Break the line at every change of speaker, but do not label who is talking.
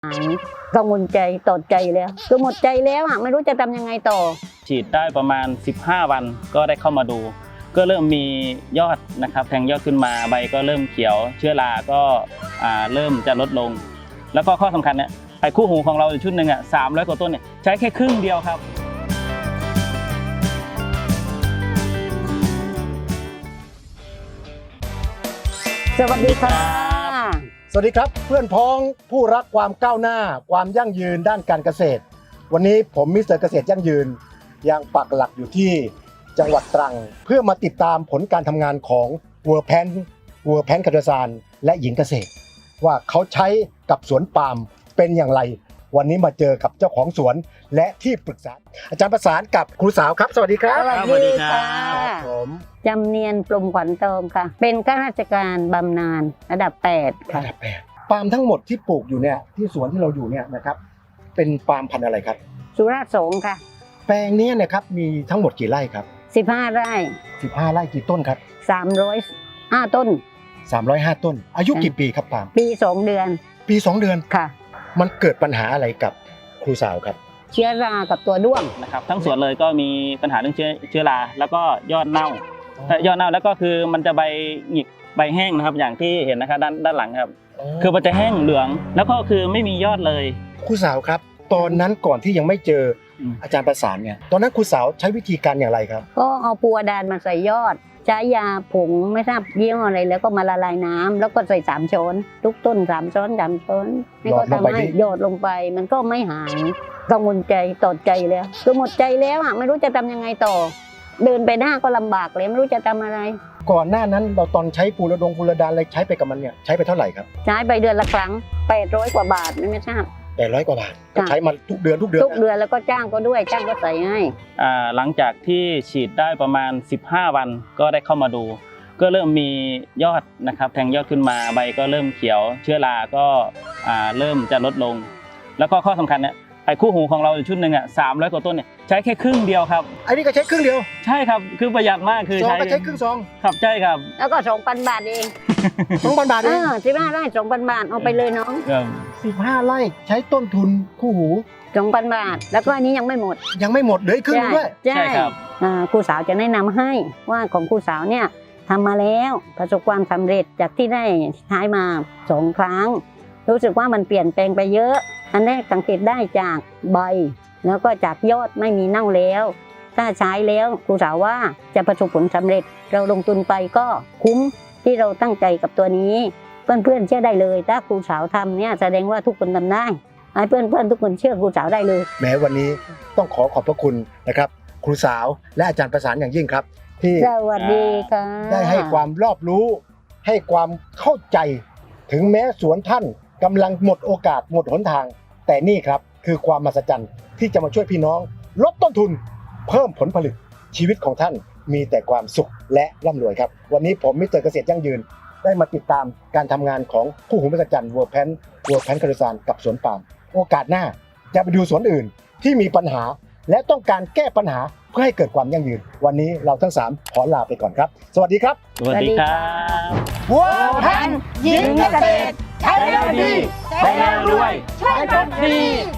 กังวลใจต่อใจแล้วคือหมดใจแล้วไม่รู้จะทำยังไงต่อ
ฉีดได้ประมาณ15วันก็ได้เข้ามาดูก็เริ่มมียอดนะครับแทงยอดขึ้นมาใบก็เริ่มเขียวเชื้อราก็เริ่มจะลดลงแล้วก็ข้อสำคัญเนี่ยไอ้คู่หูของเราชุดหนึ่ง300 กว่าต้นเนี่ยใช้แค่ครึ่งเดียวครับ
สวัสดีค่ะ
สวัสดีครับเพื่อนพ้องผู้รักความก้าวหน้าความยั่งยืนด้านการเกษตรวันนี้ผมมิสเตอร์เกษตรยั่งยืนยังปักหลักอยู่ที่จังหวัดตรังเพื่อมาติดตามผลการทำงานของวัวแพนคาร์ซานและหญิงเกษตรว่าเขาใช้กับสวนปาล์มเป็นอย่างไรวันนี้มาเจอกับเจ้าของสวนและที่ปรึกษาอาจารย์ประสานกับครูสาวครับสวัสดีครับ
สวัสดีค่ะ
ผม
จำเนียนปลุ่มขวัญเติมค่ะเป็นข้าราชการบำนาญระดับ8ค่ะ
ระดับ8ปาล์มทั้งหมดที่ปลูกอยู่เนี่ยที่สวนที่เราอยู่เนี่ยนะครับเป็นปาล์มพันธุ์อะไรครับ
สุราษฎร์สงค่ะ
แปลงนี้นะครับมีทั้งหมดกี่ไร่ครับ
15 ไร่
15 ไร่กี่ต้นครับ
305 ต้น
305 ต้นอายุกี่ปีครับปาล์ม
ปี2 เดือน
ปี2 เดือน
ค่ะ
มันเกิดปัญหาอะไรกับครูสาวครับ
เชื้อรากับตัวด้วง
นะครับทั้งสวนเลยก็มีปัญหาเรื่องเชื้อราแล้วก็ยอดเน่ายอดเน่าแล้วก็คือมันจะใบหงิกใบแห้งนะครับอย่างที่เห็นนะครับด้านหลังครับคือมันจะแห้งเหลืองแล้วก็คือไม่มียอดเลย
ครูสาวครับตอนนั้นก่อนที่ยังไม่เจออาจารย์ประสานเนี่ยตอนนั้นครูสาวใช้วิธีการอย่างไรครับ
ก็เอาปูอดานมาใส่ยอดใช้ยาผงไม่ทราบยี่ห้ออะไรแล้วก็มาละลายน้ำแล้วก็ใส่3 ช้อนทุกต้น3 ช้อน3 ช้อนนี่ก็ทำให้หยอดลงไปมันก็ไม่หายกังวลใจต่อใจแล้วคือหมดใจแล้วไม่รู้จะทำยังไงต่อเดินไปหน้าก็ลำบากเลยไม่รู้จะทำอะไร
ก่อนหน้านั้นเราตอนใช้ปูระดานอะไรใช้ไปกับมันเนี่ยใช้ไปเท่าไหร่ครับ
ใช้ไปเดือนละครั้ง800 กว่าบาทไม่ทราบ
800 กว่าบาทใช้มาทุกเดือน
แล้วก็จ้างก็ด้วยจ้างก็ใส่ให้
หลังจากที่ฉีดได้ประมาณ15 วันก็ได้เข้ามาดูก็เริ่มมียอดนะครับแทงยอดขึ้นมาใบก็เริ่มเขียวเชื้อราก็เริ่มจะลดลงแล้วก็ข้อสำคัญเนี่ยไอ้คู่หูของเราชุดหนึ่ง300 กว่าต้นเนี่ยใช้แค่ครึ่งเดียวครับ
ไอ้นี่ก็ใช้ครึ่งเดียว
ใช่ครับคือประหยัดมากคือ
ซองก็ใช้ครึ่งซอง
ครับใช่ครับ
แล้วก็2,000 บาทเอง
2,000 บาทเอง
15 ไร่ 2,000 บาทเอาไปเลยน้อง
15 ไร่ใช้ต้นทุนคู่หู
2,000 บาทแล้วก็อันนี้ยังไม่หมด
เหลือครึ่งด้วย
ใช่ครับครูสาวจะแนะนำให้ว่าของครูสาวเนี่ยทำมาแล้วประสบความสำเร็จจากที่ได้ใช้มา2 ครั้งรู้สึกว่ามันเปลี่ยนแปลงไปเยอะอันแรกสังเกตได้จากใบแล้วก็จากยอดไม่มีเน่าแล้วถ้าใช้แล้วครูสาวว่าจะประสบผลสำเร็จเราลงทุนไปก็คุ้มที่เราตั้งใจกับตัวนี้เพื่อนๆเชื่อได้เลยถ้าครูสาวทำเนี่ยแสดงว่าทุกคนทำได้ให้เพื่อนๆทุกคนเชื่อครูสาวได้เลย
แม้วันนี้ต้องขอบพระคุณนะครับครูสาวและอาจารย์ประสานอย่างยิ่งครับที่
สวัสดีค่ะ
ได้ให้ความรอบรู้ให้ความเข้าใจถึงแม้สวนท่านกำลังหมดโอกาสหมดหนทางแต่นี่ครับคือความมหัศจรรย์ที่จะมาช่วยพี่น้องลดต้นทุนเพิ่มผลผลิตชีวิตของท่านมีแต่ความสุขและร่ำรวยครับวันนี้ผมมิสเตอร์เกษตรยั่งยืนได้มาติดตามการทำงานของคู่หูมหัศจรรย์วัวแพนคาร์ซานกับสวนปาล์มโอกาสหน้าจะไปดูสวนอื่นที่มีปัญหาและต้องการแก้ปัญหาเพื่อให้เกิดความยั่งยืนวันนี้เราทั้ง3ขอลาไปก่อนครับสวัสดีครับ
สวัสดีครับ
วัวแพนหญิงเกษตรใช้แล้วดีใช้แล้วรวยใช้จนดี